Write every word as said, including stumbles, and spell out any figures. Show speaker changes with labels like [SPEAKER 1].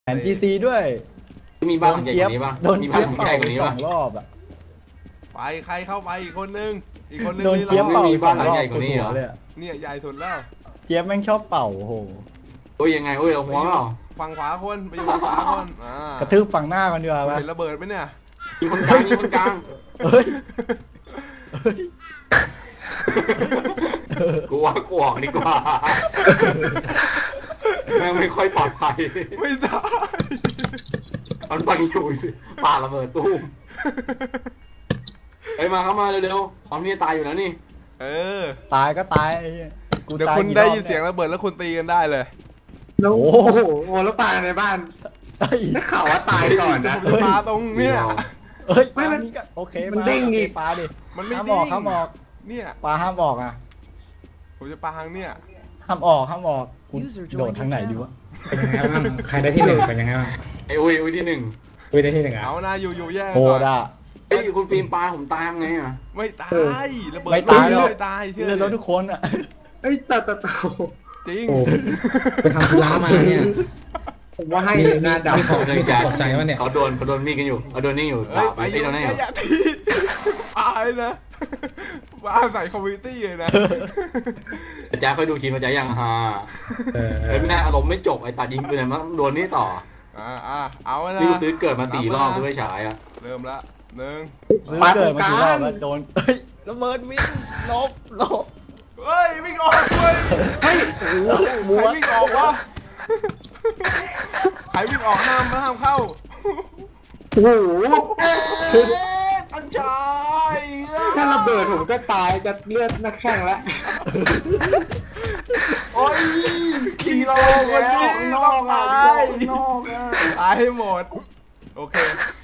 [SPEAKER 1] แผนจีซีด้วย
[SPEAKER 2] มีบ้านหลังใหญ่กว่านี้ป่ะ
[SPEAKER 1] โดน
[SPEAKER 2] มี
[SPEAKER 1] เจี๊
[SPEAKER 2] บ้าย น
[SPEAKER 1] บ
[SPEAKER 2] หลังใหญ่กว่านี้
[SPEAKER 1] เป่าสอ
[SPEAKER 2] ป่ะ
[SPEAKER 1] งรอบอ่ะ
[SPEAKER 3] ไปใครเข้าไปอีกคนนึงอีกคนนึง
[SPEAKER 1] โดน
[SPEAKER 3] นี่
[SPEAKER 1] เจี๊ยบ
[SPEAKER 3] เรา
[SPEAKER 1] เป่า
[SPEAKER 2] มี
[SPEAKER 1] ส
[SPEAKER 2] บ้า
[SPEAKER 1] อน ง
[SPEAKER 2] หลัง
[SPEAKER 1] รอบ
[SPEAKER 2] ใหญ่กว่านี้เหรอ
[SPEAKER 1] เลยอะ
[SPEAKER 3] เนี่ยใหญ่สุดแล้ว
[SPEAKER 1] เจี๊ยบแม่งชอบเป่าโอ้โห
[SPEAKER 2] โอ้ยยังไงโอ้ยเราหัวเปล่า
[SPEAKER 3] ฝั่งขวาคนไปอยู่ฝั่งขวาคนอ่าก
[SPEAKER 1] ระทืบฝั่งหน้ากันดีกว่า
[SPEAKER 3] คุณ
[SPEAKER 1] ปะ
[SPEAKER 3] เห็นระเบิดไหมเนี่ย
[SPEAKER 2] ยิงคนกลางยิงคนกลาง
[SPEAKER 1] เฮ้ยเฮ้ย
[SPEAKER 2] กูว่ากูออกดีกว่าแม่งไม่ค่อยปลอดภัย
[SPEAKER 3] ไม่ได้
[SPEAKER 2] มันปังอยู่ปาระเบิดตู้มเฮ้ยมาเข้ามาเร็วๆพร้อมที่จะตายอยู่แล้วนี่
[SPEAKER 3] เออ
[SPEAKER 1] ตายก็ตายไอ้เหี้ยกู
[SPEAKER 3] เดี๋ยว
[SPEAKER 1] ตาย
[SPEAKER 3] คุณ
[SPEAKER 1] กี่
[SPEAKER 3] ได้
[SPEAKER 1] รอบ
[SPEAKER 3] ยินเสียงระเบิดแล้วคุณตีกันได้เลย
[SPEAKER 4] แล้ว
[SPEAKER 1] โอ้
[SPEAKER 4] โอ้
[SPEAKER 1] โห
[SPEAKER 4] โหโอ้แล้วปลาในบ้าน
[SPEAKER 1] เฮ้ย
[SPEAKER 4] ได้ข่าวว่าตายก่อนนะ
[SPEAKER 3] ผมจะมาตรงเนี่ย
[SPEAKER 1] เฮ้ย
[SPEAKER 4] ไม่
[SPEAKER 1] ปลา
[SPEAKER 4] มัน
[SPEAKER 1] นี่ก็โอเค
[SPEAKER 4] มัน
[SPEAKER 1] มา
[SPEAKER 4] เด้ง
[SPEAKER 1] โอเค
[SPEAKER 4] อีก
[SPEAKER 1] ปลาดิ
[SPEAKER 3] มันไม่
[SPEAKER 1] ห้าม
[SPEAKER 3] ดิ้
[SPEAKER 1] ออง กห้ามออก
[SPEAKER 3] เนี่ย
[SPEAKER 1] ปลาห้ามออกอ่ะ
[SPEAKER 3] ผมจะปาทางเนี่ย
[SPEAKER 1] ห้ามออกห้ามออกกู
[SPEAKER 5] User
[SPEAKER 1] โดด
[SPEAKER 5] joined
[SPEAKER 1] ทางไหน
[SPEAKER 5] your
[SPEAKER 1] ดีวะ
[SPEAKER 4] เป็นยังไงบ้างใครได้ที่หนึ่งเป็นยังไงบ้าง
[SPEAKER 2] ไอ้อุ้ยอุ้ยที่หนึ่ง
[SPEAKER 4] คุยได้ที่หนึ่งอ่ะ
[SPEAKER 3] เอานะอยู่อยู่แย่ง
[SPEAKER 1] โห
[SPEAKER 3] ก่อน
[SPEAKER 1] ดอ่ะ
[SPEAKER 2] เฮ้ยคุณฟิล์มปลาผมตายยังไงอ่ะ
[SPEAKER 3] ไม่ตายระเบิด
[SPEAKER 1] ไม่ตายหรอก
[SPEAKER 3] ไม่ตายเชื่อ
[SPEAKER 1] เลือดรถทุกคนอ่ะ
[SPEAKER 4] เอ้ยแต่แต่แต่
[SPEAKER 3] จริง
[SPEAKER 4] โอ้ไปทำธุระมาเนี่ยผมว่าให้หน้าดำ
[SPEAKER 2] เขาเดิน
[SPEAKER 4] ตกใจว่าเนี่ย
[SPEAKER 2] เขาโดนเขาโดนมีดกันอยู่เขาโดนนี่อยู่
[SPEAKER 3] เฮ้ย
[SPEAKER 2] ไป
[SPEAKER 3] ไปอ
[SPEAKER 2] ที่
[SPEAKER 3] ยู่
[SPEAKER 2] ตรงนั้นอ
[SPEAKER 3] แค่
[SPEAKER 2] ยู่
[SPEAKER 3] อย่าทีตายนะบ้าใส่คอมมิวนิตี้เลยนะ
[SPEAKER 2] อาจารย์ค่อยดูทีมอาจารย์ยังฮา
[SPEAKER 4] เออ
[SPEAKER 2] เฮ้ยไม่น่าอารมณ์ไม่จบไอ้ตัดยิงปืนมันโดนนี่ต่อ
[SPEAKER 3] อ่าอ่าเอานะ
[SPEAKER 2] นี่กูซื้อเกิดมาสี่รอบเพื่อฉายอ่ะ
[SPEAKER 3] เริ่มละหนึ่ง
[SPEAKER 1] ซื้อเกิดมากี่รอบแล้วโดนเฮ้ยระเบิดวิ่งลบลบ
[SPEAKER 3] เฮ้ยวิ่งออกเว้ย
[SPEAKER 1] เฮ้ยโอ้โห
[SPEAKER 3] ใครวิ่งออกวะใครวิ่งออกห้ามห้ามเข้า
[SPEAKER 4] โอ้โห
[SPEAKER 2] อันชาย
[SPEAKER 4] ถ้าระเบิดผมก็ตายจะเลือดนักแข่งแล้ว
[SPEAKER 2] โอ้ย
[SPEAKER 3] กิโลคนนี้
[SPEAKER 2] น
[SPEAKER 3] ต้
[SPEAKER 2] อ
[SPEAKER 3] อง
[SPEAKER 2] กอ่ะ
[SPEAKER 3] ตาย
[SPEAKER 2] นอกอ่ะ
[SPEAKER 3] ตายให้หมด โอเค